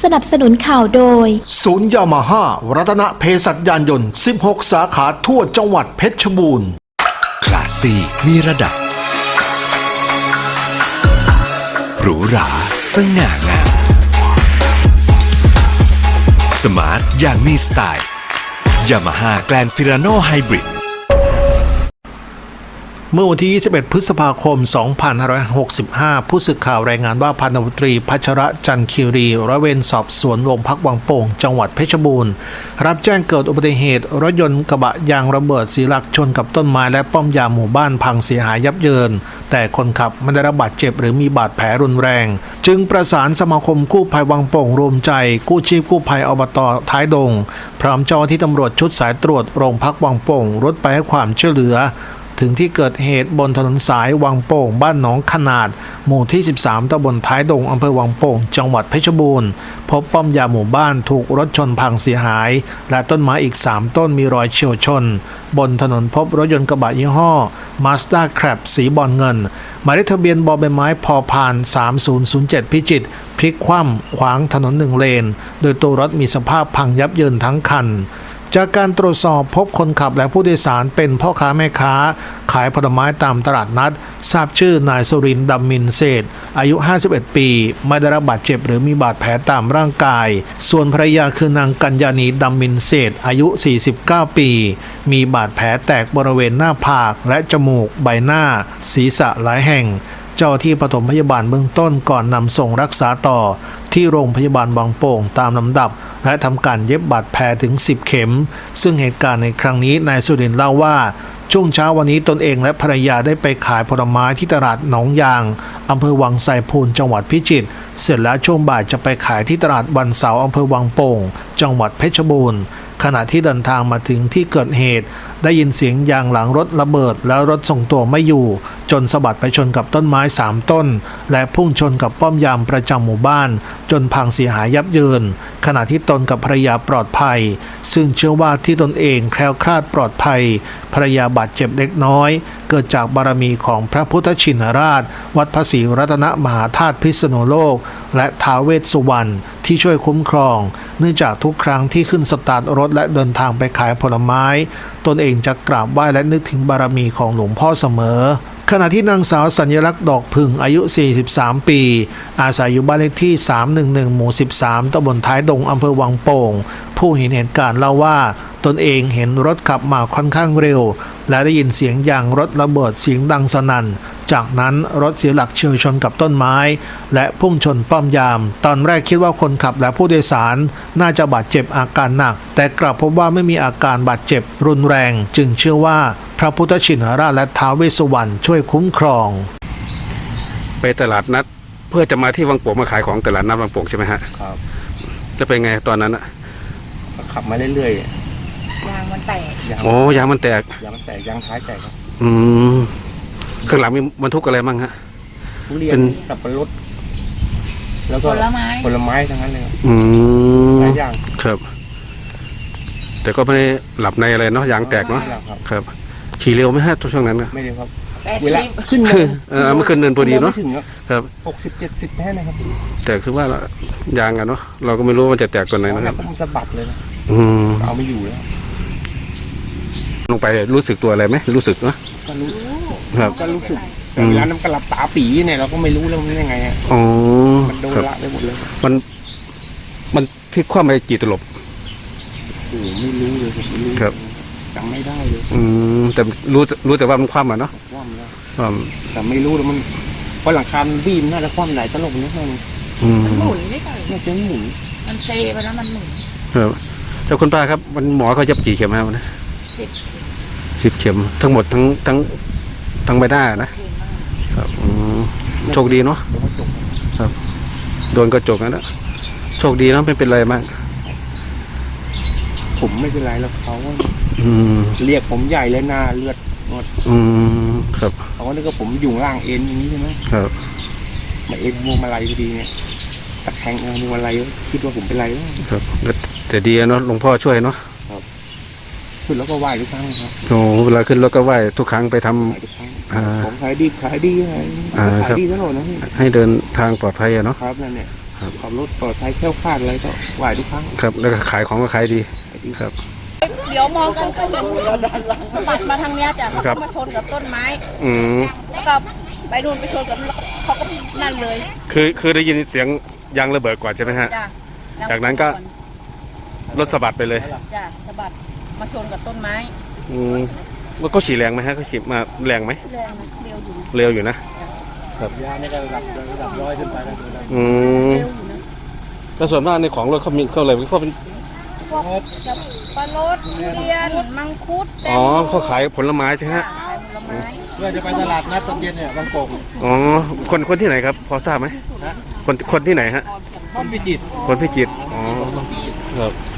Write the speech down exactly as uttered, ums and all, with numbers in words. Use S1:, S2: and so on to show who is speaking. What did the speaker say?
S1: สนับสนุนข่าวโดย
S2: ศูนย์ยามาฮ่ารัตนเภสัชยานยนต์สิบหกสาขาทั่วจังหวัดเพชรบูรณ์
S3: คลาสซี่มีระดับหรูหราสง่างามสมาร์ทอย่างมีสไตล์ยามาฮ่าแกลนฟิราโนไฮบริด
S2: เมื่อวันที่ยี่สิบเอ็ดพฤษภาคมสองพันห้าร้อยหกสิบห้าผู้สื่อข่าวรายงานว่าพันตำรวจตรีพัชระจันทร์คีรีร้อยเวรสอบสวนโรงพักวังโป่งจังหวัดเพชรบูรณ์รับแจ้งเกิดอุบัติเหตุรถยนต์กระบะยางระเบิดเสียหลักชนกับต้นไม้และป้อมยามหมู่บ้านพังเสียหายยับเยินแต่คนขับไม่ได้รับบาดเจ็บหรือมีบาดแผลรุนแรงจึงประสานสมาคมกู้ภัยวังโป่งรวมใจกู้ชีพกู้ภัยอบต.ท้ายดงพร้อมเจ้าหน้าที่ตำรวจชุดสายตรวจโรงพักวังโป่งรถไปให้ความช่วยเหลือถึงที่เกิดเหตุบนถนนสายวังโป่งบ้านหนองขนาดหมู่ที่สิบสามตำบลท้ายดงอำเภอวังโป่งจังหวัดเพชรบูรณ์พบป้อมยามหมู่บ้านถูกรถชนพังเสียหายและต้นไม้อีกสามต้นมีรอยเฉี่ยวชนบนถนนพบรถยนต์กระบะยี่ห้อ Mazda Crab สีบอลเงินหมายเลขทะเบียนบอใบไม้พอพานสามศูนย์ศูนย์เจ็ดพิจิตรพลิกคว่ำขวางถนนหนึ่งเลนโดยตัวรถมีสภาพพังยับเยินทั้งคันจากการตรวจสอบพบคนขับและผู้โดยสารเป็นพ่อค้าแม่ค้าขายผลไม้ตามตลาดนัดทราบชื่อนายสุรินทร์ดำมินเศษอายุห้าสิบเอ็ดปีไม่ได้รับบาดเจ็บหรือมีบาดแผลตามร่างกายส่วนภรรยาคือนางกัญญาณีดำมินเศษอายุสี่สิบเก้าปีมีบาดแผลแตกบริเวณหน้าผากและจมูกใบหน้าศีรษะหลายแห่งเจ้าที่ปฐมพยาบาลเบื้องต้นก่อนนำส่งรักษาต่อที่โรงพยาบาลบางโป่งตามลำดับและทำการเย็บบาดแผลถึงสิบเข็มซึ่งเหตุการณ์ในครั้งนี้นายสุรินทร์เล่าว่าช่วงเช้าวันนี้ตนเองและภรรยาได้ไปขายผลไม้ที่ตลาดหนองยางอำเภอวังไสพูนจังหวัดพิจิตรเสร็จแล้วช่วงบ่ายจะไปขายที่ตลาดวันเสาร์อำเภอวังโป่งจังหวัดเพชรบูรณ์ขณะที่เดินทางมาถึงที่เกิดเหตุได้ยินเสียงยางหลังรถระเบิดแล้วรถส่งตัวไม่อยู่จนสะบัดไปชนกับต้นไม้สามต้นและพุ่งชนกับป้อมยามประจำหมู่บ้านจนพังเสียหายยับเยินขณะที่ตนกับภรรยาปลอดภัยซึ่งเชื่อว่าที่ตนเองแคล้วคลาดปลอดภัยภรรยาบาดเจ็บเล็กน้อยเกิดจากบารมีของพระพุทธชินราชวัดพระศรีรัตนมหาธาตุพิษณุโลกและท้าวเวสสุวรรณที่ช่วยคุ้มครองเนื่องจากทุกครั้งที่ขึ้นสตาร์ทรถและเดินทางไปขายผลไม้ตนเองจะกราบไหว้และนึกถึงบารมีของหลวงพ่อเสมอขณะที่นางสาวสัญลักษณ์ดอกผึ่งอายุสี่สิบสามปีอาศัยอยู่บ้านเลขที่สามหนึ่งหนึ่งหมู่สิบสามตำบลท้ายดงอำเภอวังโป่งผู้เห็นเหตุการณ์เล่าว่าตนเองเห็นรถขับมาค่อนข้างเร็วและได้ยินเสียงยางรถระเบิดเสียงดังสนั่นจากนั้นรถเสียหลักเฉี่ยวชนกับต้นไม้และพุ่งชนป้อมยามตอนแรกคิดว่าคนขับและผู้โดยสารน่าจะบาดเจ็บอาการหนักแต่กลับพบว่าไม่มีอาการบาดเจ็บรุนแรงจึงเชื่อว่าพระพุทธชินราชและท้าวเวสสุวรรณช่วยคุ้มครอง
S4: ไปตลาดนัดเพื่อจะมาที่วังโป่งมาขายของตลาดนัดวังโป่งใช่ไหมฮะ
S5: ครับ
S4: จะเป็นไงตอนนั้นอะ
S5: ขับมาเรื่อย
S6: ๆยางมันแตก
S4: โอ้ยางมันแตก
S5: ยางมันแตกยางท้ายแตกครับ
S4: อืมข้างหลังมีบรรทุกอะไรบ้างฮะ
S5: ทุเรียนสับปะรดแล้วก็
S6: ผลไม้
S5: ผลไม้ทั้งนั้นเลย
S4: อืม
S5: หลายอย่าง
S4: ครับแต่ก็ไม่ได้หลับในอะไรเนาะยางแตกเนาะครับขี่เร็วไหมฮะช่วงนั้น
S5: ไม่เร็วครับ
S6: เวลา
S4: ขึ้นเนินเออมันขึ้นเนินพอดีเนาะครับ
S5: หกสิบเจ็ดสิบแค่นะครับ
S4: แต่คือว่ายางอะเนาะเราก็ไม่รู้มันจะแตกตัวไหนนะครับ
S5: มันสะบัดเลยนะ
S4: อืม
S5: เอาไม่อยู่แล้ว
S4: ลงไปรู้สึกตัวอะไรไหมรู้สึกเนาะ
S5: ก็รู้ครับก็รู้สึกแต่เวลาน้ำกระลับตาปีเนี่ยเราก็ไม่รู้แล้วมันยังไงอ่ะ
S4: อ๋อ
S5: มันโดนละไปหมดเลย
S4: มันมันพลิกคว่ำไปกี่ตลบ
S5: โอ้ไม่รู้เลยผมไม่รู้
S4: ครับ
S5: จำไม่ได้เลย
S4: อืมแต่รู้รู้แต่ว่ามันคว่ำอ่ะเนาะ
S5: คว่ำแล้ว
S4: แต่
S5: ไม่รู้แล้วมันเพราะหลังคาบีมน่าจะคว่ำไหนตลบนี่มัน
S6: หมุนไม่ใช่
S5: น่าจะหมุน
S6: มันเซไปแล้วมันหมุน
S4: ครับเจ้าคุณป้าครับมันหมอเขาจะกี่เข็มครับนะ
S6: สิบ
S4: สิบเข็มทั้งหมดทั้งทั้งทั้งใบหน้านะครับโชคดีเนาะครับโดนกระจกนะโชคดีเนาะไม่เป็นไรมาก
S5: ผมไม่เป็นไรแล้วเขาเรียกผมใหญ่เลยหน้าเลือดหมด
S4: อืมครับ
S5: เขาว่านี่ก็ผมอยู่ล่างเอ็นอย่างนี้ใช่ไหม
S4: ครับ
S5: มาเอ็นมัวมาลัยพอดีเนี่ยตะแคงมัวมาลัยคิดว่าผมเป็นไร
S4: ครับแต่ดีเนาะหลวงพ่อช่วยเนาะ
S5: ขึ้นแล้วก็ไหว้ทุกครั้งครับ
S4: โอ้เวลาขึ้นแล้วก็ไหว้ทุกครั้งไปท
S5: ำผมขายดีขายดีอะไรขายดีตลอดนะ
S4: ให้เดินทางปลอดภัยอะเนาะ
S5: ครับนั่นเนี่ยขับรถปลอดภัยแคล้วคลาดอะไรก็ไหวทุกครั้ง
S4: ครับ แล้วก็ขายของก็ขายดีครับ
S6: เดี๋ยวมองกันก็เห็นสะบัดมาทางเนี้ยจ้ะแล้ว
S4: ครั
S6: ก็
S4: บ
S6: มาชนกับต้นไม้
S4: อืม
S6: แล้วก็ไปนู่นไปชนกับเขาก็นั่นเลย
S4: คือคือได้ยินเสียงยางระเบิดก่อนใช่ไหมฮะ
S6: จ้ะ
S4: จากนั้นก็ รถสะบัดไปเลย
S6: จ้ะสะบัดมาชนกับต้นไม้
S4: อืมแล้วก็ขี่แรงไหมฮะก็ขี่มาแรงไหม
S6: แรงนะเร็วอยู่นะ
S4: เร็วอยู่นะ
S1: ยานี่ก็ระดับระดับร้อยขึ้นไปแล้ว
S4: อืม
S6: เร็วอยู่นะ
S4: ก็ส่วนมากในของรถเขามีเขาเลยเขาเป็น
S6: พวกสับปะรดทุเรียนมังคุดแตง
S4: อ๋อ
S6: โม
S4: เขาขายผลไม้ใช่ไหม
S6: จ้ะ
S4: ฮะ
S6: ขายผลไม้
S1: เพื่อจะไปตลาดนัดตอนเย็นเนี่ยบางโป่ง
S4: อ๋อ คนคนที่ไหนครับ พอทราบไหม
S1: ฮะ
S4: คนคนที่ไหนฮะ
S1: ต้นพิจิตร
S4: คนพิจิตร อ๋อ ครับ